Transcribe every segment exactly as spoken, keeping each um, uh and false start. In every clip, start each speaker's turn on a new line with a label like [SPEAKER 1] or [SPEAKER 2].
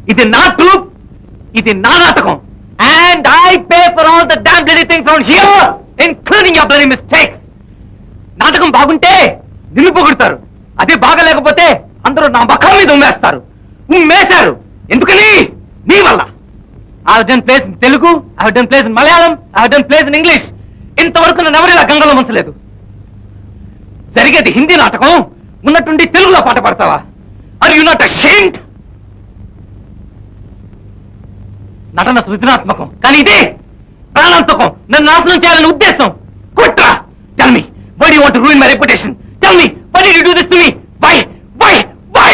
[SPEAKER 1] ఇది నా ట్రూప్, ఇది నా నాటకం. And I pay for all the damn bloody things on here, including your bloody mistakes. నాటకం బాగుంటే నిన్ను పొగుడతారు, అదే బాగలేకపోతే అందరూ నా ముఖం మీద ఉమ్మేస్తారు. ఉమ్మేశారు ఎందుకని? నీ వల్ల. I have done plays in Telugu, I have done plays in Malayalam, I have done plays in English. ఇంతవరకు నన్ను ఎవరు ఇలా గంగలో ముంచలేదు. జరిగేది హిందీ నాటకం, ఉన్నట్టుండి తెలుగులో పాట పాడతావా? Are you not ashamed? నటన సృజనాత్మకం, కానీ ఇదే ప్రాణాంతకం, నన్ను నాశనం చేయాలని ఉద్దేశం. కుట్ర. Tell me, why do you want to ruin my reputation? Tell me, why did you do this to me? Why why why?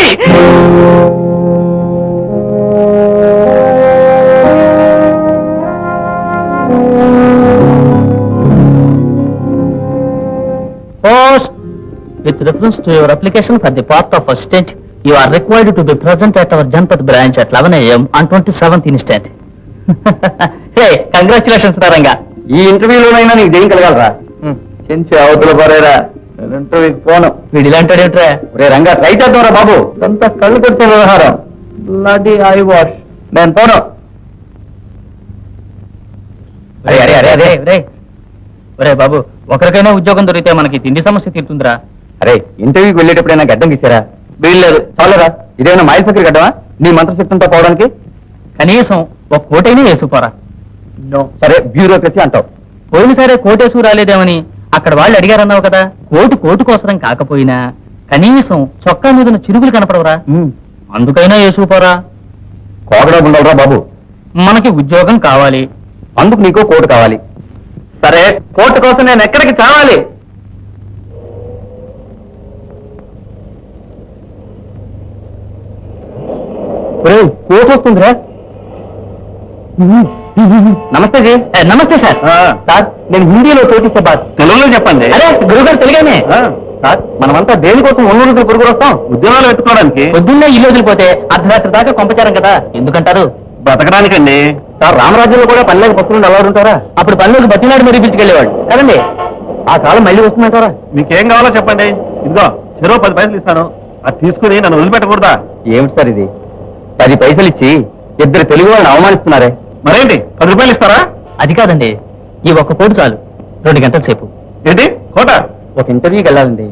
[SPEAKER 2] Post. With reference to your application for the post of assistant, you are required to be present at our Janpat branch at eleven a m on twenty-seventh instant. Hey, congratulations, Ranga.
[SPEAKER 1] ఈ ఇంటర్వ్యూలోనైనా నీకు దేం కలగాలరా? చెంచి అవతల పరేరా, ఇంటర్వ్యూకి పోను.
[SPEAKER 2] వీడు ఇలాంటి రే
[SPEAKER 1] రే Ranga, try చేద్దాంరా బాబు. అంతా కళ్ళు కొట్టే వ్యవహారం. Bloody eyewash. నేను పోను.
[SPEAKER 2] అరే అరే అరే అరే రే ఒరే బాబు, ఒకరికైనా ఉద్యోగం దొరికితే మనకి తిండి సమస్య తీరుతుందిరా.
[SPEAKER 1] అరే, ఇంటర్వ్యూకి వెళ్ళేటప్పుడైనా గడ్డం గీసారా? వీల్లేదు. చాలరా, ఇదేమైనా మాయల చక్రి గడ్డమా నీ మంత్రశక్తంతో పోవడానికి?
[SPEAKER 2] కనీసం ఒక కోటైనా వేసుకోరా.
[SPEAKER 1] నో. సరే, బ్యూరోక్రసీ అంటావు.
[SPEAKER 2] పోయినసారే కోటేసు రాలేదేమని అక్కడ వాళ్ళు అడిగారన్నావు కదా. కోటు కోటు కోసరం కాకపోయినా కనీసం చొక్కా మీద చిరుగులు కనపడవరా? అందుకైనా వేసుకోపోరా.
[SPEAKER 1] కోగడా ఉండవురా బాబు.
[SPEAKER 2] మనకి ఉద్యోగం కావాలి,
[SPEAKER 1] అందుకు నీకు కోటు కావాలి. సరే, కోటు కోసం నేను ఎక్కడికి చావాలి? కోటు వస్తుందిరా. నమస్తే జీ.
[SPEAKER 2] నమస్తే సార్.
[SPEAKER 1] సార్, నేను హిందీలో కోటిసే బాత్. తెలుగులో చెప్పండి.
[SPEAKER 2] అరే గురుగారు తెలుగానే.
[SPEAKER 1] సార్, మనమంతా దేనికోసం ఒంగోలు రోజులు పురుగు వస్తాం? ఉద్యోగాలు పెట్టుకోవడానికి.
[SPEAKER 2] పొద్దున్నే ఇల్లు వదిలిపోతే అర్ధరాత్రి దాకా కొంపచారం కదా, ఎందుకంటారు?
[SPEAKER 1] బతకడానికండి. సార్, రామరాజ్యంలో కూడా పల్లెకి పక్కనుండి అలవాటు ఉంటారా?
[SPEAKER 2] అప్పుడు పనులకు బతినాడు మరీ పిలిచుకెళ్ళేవాడు కదండి.
[SPEAKER 1] ఆ కాలం మళ్ళీ వస్తుందంటారా? మీకేం కావాలో చెప్పండి, ఇదిగో చెరో పది పైసలు ఇస్తాను, అది తీసుకుని నన్ను వదిలిపెట్టకూడదా? ఏమిటి సార్ ఇది? పది పైసలు ఇచ్చి ఇద్దరు తెలుగు వాళ్ళని అవమానిస్తున్నారే. మరేంటి, పది రూపాయలు ఇస్తారా?
[SPEAKER 2] అది కాదండి, ఈ ఒక్క కోటు చాలు, రెండు గంటల సేపు.
[SPEAKER 1] ఏంటి కోట?
[SPEAKER 2] ఒక ఇంటర్వ్యూకి వెళ్ళాలండి.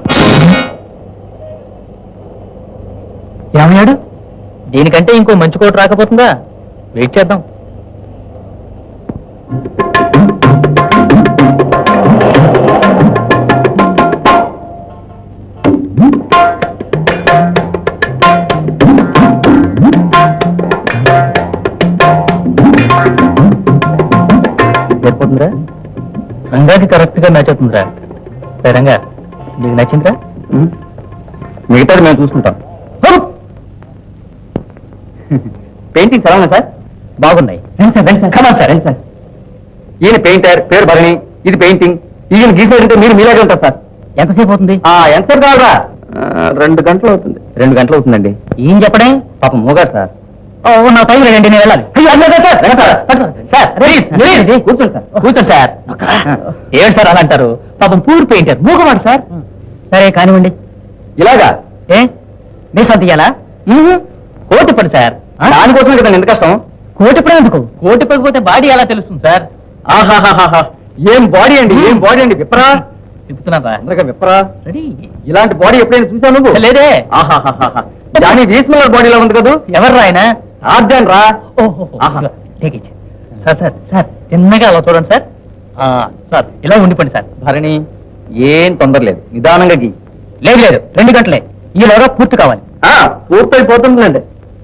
[SPEAKER 2] ఏమయ్యాడు? దీనికంటే ఇంకో మంచి కోటు రాకపోతుందా? వెయిట్ చేద్దాం. సరిపోతుందిరా? రంగాకి కరెక్ట్ గా మ్యాచ్ అవుతుందిరా. రంగా, నీకు నచ్చిందిరా?
[SPEAKER 1] మిగతాది మేము చూసుకుంటాం. పెయింటింగ్స్ ఎలా ఉన్నాయి సార్?
[SPEAKER 2] బాగున్నాయి.
[SPEAKER 1] సార్ సార్ ఈయన పెయింటర్, పేరు భరణి, ఇది పెయింటింగ్. ఈయన గీసేదంటే మీరు మీలాగే ఉంటారు సార్.
[SPEAKER 2] ఎంతసేపు అవుతుంది?
[SPEAKER 1] ఎంతసేపు కావాలా? రెండు గంటలు అవుతుంది. రెండు గంటలు అవుతుందండి.
[SPEAKER 2] ఏం చెప్పడే?
[SPEAKER 1] పాపం మూగారు సార్.
[SPEAKER 2] నా టైం లేదండి, నేను వెళ్ళాలి. కూర్చోండి సార్, కూర్చోండి సార్. ఏడు సార్ అలా అంటారు? పాపం పూర్ పెయింటర్, మూగవాడు సార్. సరే కానివ్వండి.
[SPEAKER 1] ఇలాగా?
[SPEAKER 2] ఏ మీ సొంత ఇయ్యాలా? కోటి పడి సార్.
[SPEAKER 1] దానికోసమే కదా ఎంత కష్టం.
[SPEAKER 2] కోటి పడి ఎందుకు? కోటి పడిపోతే బాడీ ఎలా తెలుస్తుంది సార్?
[SPEAKER 1] ఆహాహాహా, ఏం బాడీ అండి, ఏం బాడీ అండి. విప్పరా
[SPEAKER 2] చెప్తున్నారా?
[SPEAKER 1] అందరికీ విప్పరా.
[SPEAKER 2] రెడీ.
[SPEAKER 1] ఇలాంటి బాడీ ఎప్పుడైనా చూసావు నువ్వు?
[SPEAKER 2] లేదే.
[SPEAKER 1] ఆహాహాహా, దాని వీస్మలర్ బాడీలో ఉంది కదా.
[SPEAKER 2] ఎవరు ఆయన?
[SPEAKER 1] ఆర్జన్ రా.
[SPEAKER 2] ఓహో, సార్ సార్ సార్ చిన్నగా అలా చూడండి సార్. సార్ ఇలా ఉండిపోండి సార్.
[SPEAKER 1] భరణి, ఏం తొందర లేదు, నిదానంగా గీ.
[SPEAKER 2] లేదు లేదు, రెండు గంటలే, ఈలోగా పూర్తి కావాలి.
[SPEAKER 1] పూర్తయిపోతుందండి.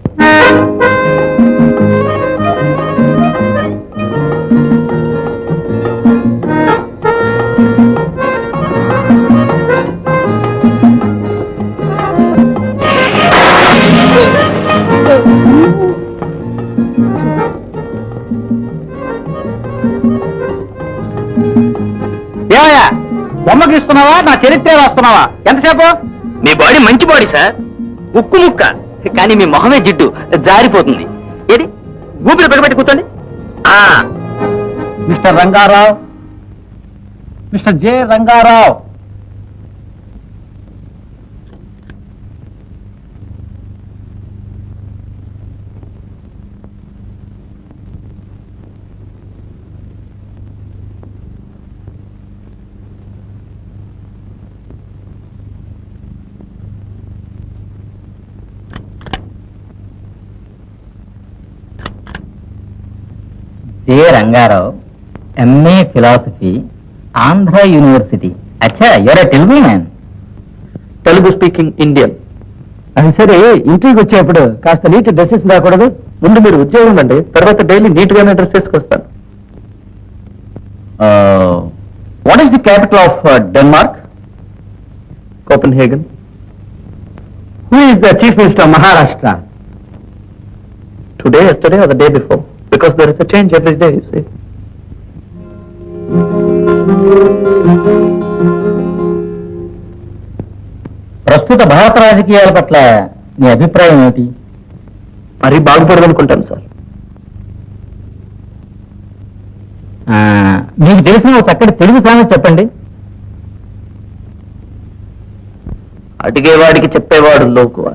[SPEAKER 2] ఏమయ్యా, బొమ్మకి ఇస్తున్నావా, నా చరిత్ర రాస్తున్నావా? ఎంతసేపు?
[SPEAKER 1] మీ బాడీ మంచి బాడీ సార్, ఉక్కు ముక్క, కానీ మీ మొహమే జిడ్డు, జారిపోతుంది. ఏది ఊపిరి పెట్టి కూర్చోండి.
[SPEAKER 2] Mister Rangarao, Mister J Rangarao, K Rangarao, MA philosophy, Andhra university. అచ్చా, you're a Telugu man.
[SPEAKER 1] Telugu speaking Indian.
[SPEAKER 2] అది సరే, ఇంటికి వచ్చేప్పుడు కాస్త నీట్ డ్రెస్సెస్ రాకూడదు?
[SPEAKER 1] ముందు మీరు ఉద్యోగం అండి, తర్వాత డైలీ నీట్ గానే డ్రెస్ వేసుకొస్తాను.
[SPEAKER 2] What is the capital of Denmark?
[SPEAKER 1] Copenhagen.
[SPEAKER 2] Who is the chief minister of Maharashtra?
[SPEAKER 1] Today, yesterday, or the day before? Because there is a change every day, you see.
[SPEAKER 2] ప్రస్తుత భారత రాజకీయాల పట్ల మీ అభిప్రాయం ఏమిటి?
[SPEAKER 1] మరీ బాగుపడదనుకుంటాను sir.
[SPEAKER 2] ఆ, మీకు తెలిసిన ఒక చక్కటి తెలుగు సామెత చెప్పండి.
[SPEAKER 1] అడిగేవాడికి చెప్పేవాడు లోకువ.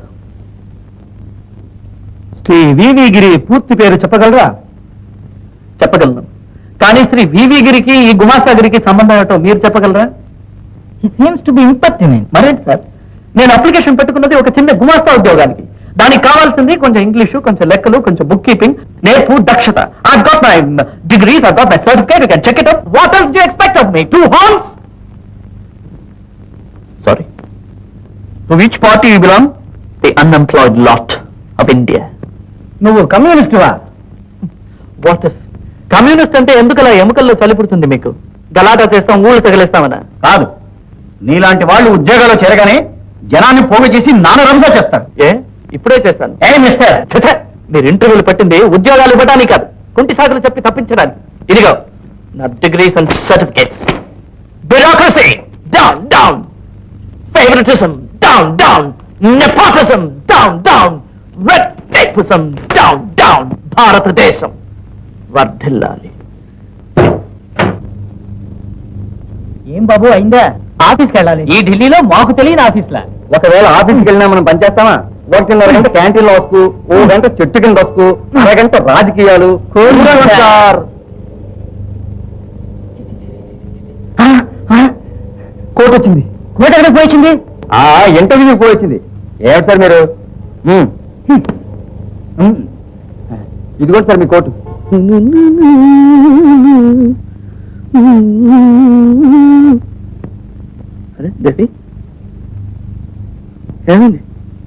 [SPEAKER 2] శ్రీ వివి గిరి పూర్తి పేరు చెప్పగలరా?
[SPEAKER 1] చెప్పగలను, కానీ శ్రీ వివి గిరికి ఈ గుమాస్తా గిరికి సంబంధం ఏమిటో మీరు చెప్పగలరా?
[SPEAKER 2] He seems to be impertinent.
[SPEAKER 1] మరేంటి సార్, నేను అప్లికేషన్ పెట్టుకున్నది ఒక చిన్న గుమాస్తా ఉద్యోగానికి. దానికి కావాల్సింది కొంచెం ఇంగ్లీషు, కొంచెం లెక్కలు, కొంచెం బుక్ కీపింగ్, నేర్పు, దక్షత. I got my degrees, I got my certificate, you can check it out. What else do you expect of me? Two horns? Sorry. To which party you belong? The unemployed lot of India.
[SPEAKER 2] నువ్వు కమ్యూనిస్టువా?
[SPEAKER 1] What if? Communist అంటే ఎందుకలా ఎముకల్లో చలి పుడుతుంది మీకు? గలాటా చేస్తాం, ఊళ్ళు తగిలేస్తామనా?
[SPEAKER 2] కాదు, నీలాంటి వాళ్ళు ఉద్యోగాల్లో చేరగానే జనాన్ని పోగు చేసి నానరంగా చేస్తారు.
[SPEAKER 1] ఏ, ఇప్పుడే చేస్తాను.
[SPEAKER 2] ఏ మిస్టర్,
[SPEAKER 1] ఛ, ఛ, మీరు ఇంటర్వ్యూలు పెట్టింది ఉద్యోగాలు ఇవ్వడానికి కాదు, కుంటి సాగులు చెప్పి తప్పించడానికి. ఇదిగో నా degrees and certificates. Bureaucracy down down, favouritism down down, nepotism down down, red tapism down down. భారతదేశం వర్ధిల్లాలి.
[SPEAKER 2] ఏం బాబు అయిందా? ఆఫీస్కి వెళ్ళాలి.
[SPEAKER 1] ఈ ఢిల్లీలో మాకు తెలియని ఆఫీస్లా?
[SPEAKER 2] ఒకవేళ ఆఫీస్కి వెళ్ళినా మనం పనిచేస్తామా? ఒకటిన్నర గంట క్యాంటీన్లో వస్తూ, ఓ గంట చెట్టు కింద వస్తూ, అరగంట రాజకీయాలు. సార్, కోట్ వచ్చింది. కోట్ ఎక్కడికి పోయింది? ఆ ఇంటర్వ్యూ పోయి వచ్చింది. ఏమిటి సార్ మీరు? ఉమ్. ఉమ్. ఇదిగోండి సార్ మీ కోటు.
[SPEAKER 1] అరే దేవి, ఏమైంది?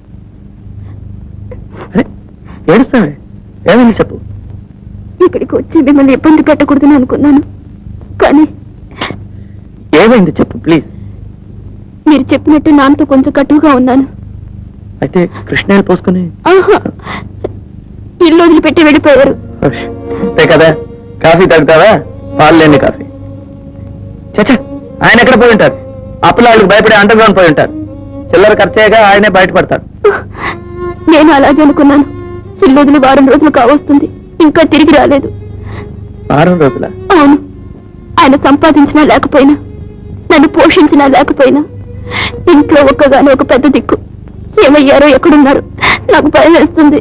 [SPEAKER 1] అరే ఏడుస్తావే, ఏమైంది చెప్పు.
[SPEAKER 3] ఇక్కడికి వచ్చి మిమ్మల్ని ఇబ్బంది పెట్టకూడదని అనుకున్నాను, కానీ
[SPEAKER 1] ఏమైంది చెప్పు ప్లీజ్.
[SPEAKER 3] మీరు చెప్పినట్టు నాన్నతో కొంచెం కటువుగా ఉన్నాను.
[SPEAKER 1] అయితే కృష్ణాలు పోసుకుని
[SPEAKER 3] ఆహా, ఇల్లు వదిలిపెట్టి వెళ్ళిపోయారు.
[SPEAKER 1] అంతే కదా, కాఫీ తాగుతావా? పాలు లేని కాఫీ. చచ్చా, ఆయన ఎక్కడ పోయి ఉంటారు? అప్పులాళ్ళకి భయపడి అండర్ గ్రౌండ్ పోయి ఉంటారు. చిల్లర ఖర్చేగా ఆయనే బయటపడతాడు.
[SPEAKER 3] నేను అలాగే అనుకున్నాను. ఇల్లు వదిలి వారం రోజులు కావస్తుంది, ఇంకా తిరిగి రాలేదు.
[SPEAKER 1] వారం రోజుల?
[SPEAKER 3] అవును. ఆయన సంపాదించినా లేకపోయినా, నన్ను పోషించినా లేకపోయినా, ఇంట్లో ఒక్కగానే ఒక పెద్ద దిక్కు. ఏమయ్యారో, ఎక్కడున్నారు? నాకు భయం వేస్తుంది.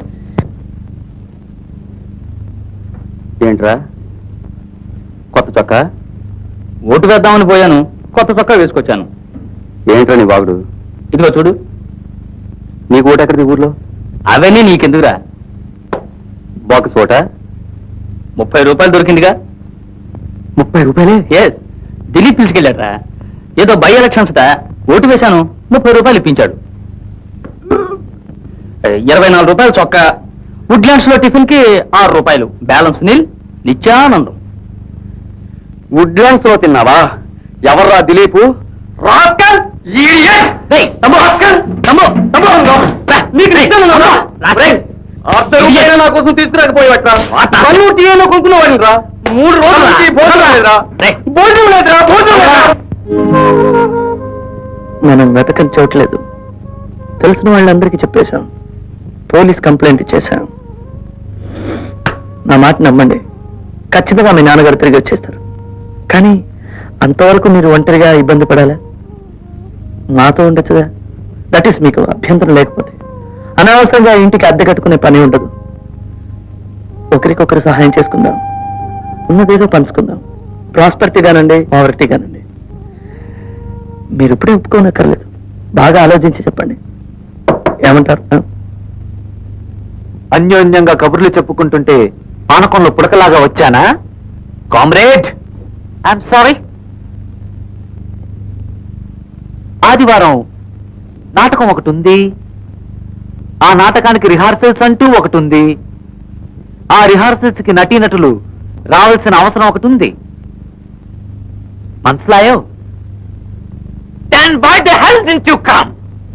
[SPEAKER 1] ఏంట్రా కొత్త చొక్కా? ఓటు వేద్దామని పోయాను, కొత్త చొక్కా వేసుకొచ్చాను. ఏంట్రా నీ బాగుడు? ఇదిగో చూడు. నీకు ఓటు ఎక్కడిది ఊర్లో? అవన్నీ నీకెందుకురా? బాక్స్ ఓటా? ముప్పై రూపాయలు దొరికిందిగా. ముప్పై రూపాయలే? ఎస్, ఢిల్లీ పిలిచుకెళ్ళాడ్రా. ఏదో బై ఎలక్షన్స్ ఓటు వేశాను, ముప్పై రూపాయలు ఇప్పించాడు. ఇరవై నాలుగు రూపాయలు చొక్కా. వుడ్లాండ్స్ లో టిఫిన్ కి ఆరు రూపాయలు. బ్యాలెన్స్ నీల్, నిత్యానందం. వుడ్లాండ్స్ లో తిన్నావా? ఎవర్రా దిలీపు? రాస్కల్! ఇడియట్! రేయ్, తమ్ము రాస్కల్! తమ్ము, తమ్ము రా. నీకు ఇష్టం ఉందా? రేయ్, అర్ధ రూపాయలు నా కోసం తీసుకురాకపోయేవట్రా? పన్ను టీఏలో కొనుక్కునేవాడిని రా. మూడు రోజుల నుంచి భోజనం లేదురా. భోజనం లేదురా, భోజనం లేదురా. మనం వెతకని చోట్లేదు. తెలిసిన వాళ్ళందరికీ చెప్పేశాం. Police complaint ఇచ్చేశాం. నా మాట నమ్మండి, ఖచ్చితంగా మీ నాన్నగారు తిరిగి వచ్చేస్తారు. కానీ అంతవరకు మీరు ఒంటరిగా ఇబ్బంది పడాలా? మాతో ఉండొచ్చుగా. దట్ ఈస్ మీకు అభ్యంతరం లేకపోతే. అనవసరంగా ఇంటికి అద్దె కట్టుకునే పని ఉండదు. ఒకరికొకరు సహాయం చేసుకుందాం, ఉన్నదేదో పంచుకుందాం. ప్రాస్పరిటీగానండి, పావర్టీగానండి. మీరు ఇప్పుడే ఒప్పుకోనక్కర్లేదు, బాగా ఆలోచించి చెప్పండి. ఏమంటారు? అన్యోన్యంగా కబుర్లు చెప్పుకుంటుంటే పానకంలో పుడకలాగా వచ్చానా? Comrade, I'm sorry. ఆదివారం నాటకం ఒకటి ఉంది. ఆ నాటకానికి రిహార్సల్స్ అంటూ ఒకటి ఉంది. ఆ రిహార్సల్స్ కి నటీనటులు రావాల్సిన అవసరం ఒకటి ఉంది. మనసులాయో? Then why the hell didn't you come?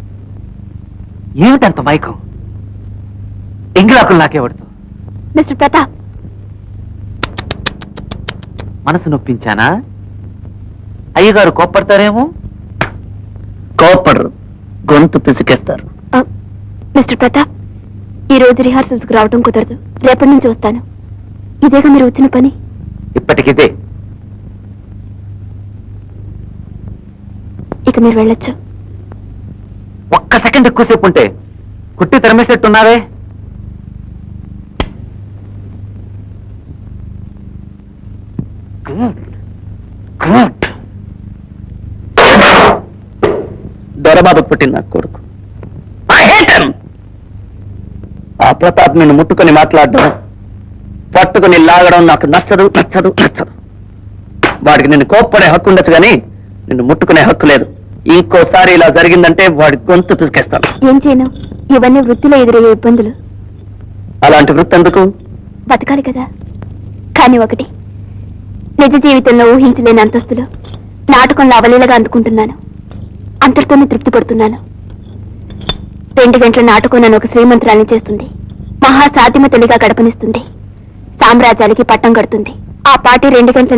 [SPEAKER 1] ఏమిటంత మైకం? ఎంగిలాకులు నాకేవడుతూ
[SPEAKER 3] మిస్టర్ ప్రతాప్,
[SPEAKER 1] మనసు నొప్పించానా? అయ్యగారు కోప్పడతారేమో.
[SPEAKER 2] కోపడరు, గొంతు పిసికేస్తారు.
[SPEAKER 3] ఆ, మిస్టర్ ప్రతాప్, ఈ రోజు రిహార్సల్స్ కు రావడం కుదరదు. రేపటి నుంచి వస్తాను. ఇదేగా మీరు వచ్చిన పని.
[SPEAKER 1] ఇప్పటికిదే.
[SPEAKER 3] ఇక మీరు వెళ్ళొచ్చు.
[SPEAKER 1] ఒక్క సెకండ్ ఎక్కువసేపు ఉంటే కుట్టి తరిమేసేట్టున్నారే. Good good.
[SPEAKER 2] దొరబాబు పుట్టిన నా కొడుకు. I hate him. ఆ ప్రతాప్ నిన్ను ముట్టుకొని మాట్లాడడం, పట్టుకుని లాగడం నాకు నచ్చదు నచ్చదు నచ్చదు. వాడికి నిన్ను కోప్పడే హక్కు ఉండొచ్చు కానీ నిన్ను ముట్టుకునే హక్కు లేదు. ఇంకోసారి ఇలా జరిగిందంటే వాడి గొంతు పిసికేస్తాను.
[SPEAKER 3] ఏం చేయను? ఇవన్నీ వృత్తిలో ఎదురయ్యే ఇబ్బందులు.
[SPEAKER 2] అలాంటి వృత్తి ఎందుకు?
[SPEAKER 3] బతకాలి కదా. కానీ ఒకటి, నిజ జీవితంలో ఊహించలేని అంతస్తులు నాటకంలో అవలీలగా అందుకుంటున్నాను. అంతటితోనే తృప్తి పడుతున్నాను. రెండు గంటల నాటకం నన్ను ఒక శ్రీమంతురాల్ని చేస్తుంది. మహా సాధ్యమ తెలిగా గడపనిస్తుంది. సామ్రాజ్యాలకి పట్టం కడుతుంది. ఆ పాటి రెండు గంటల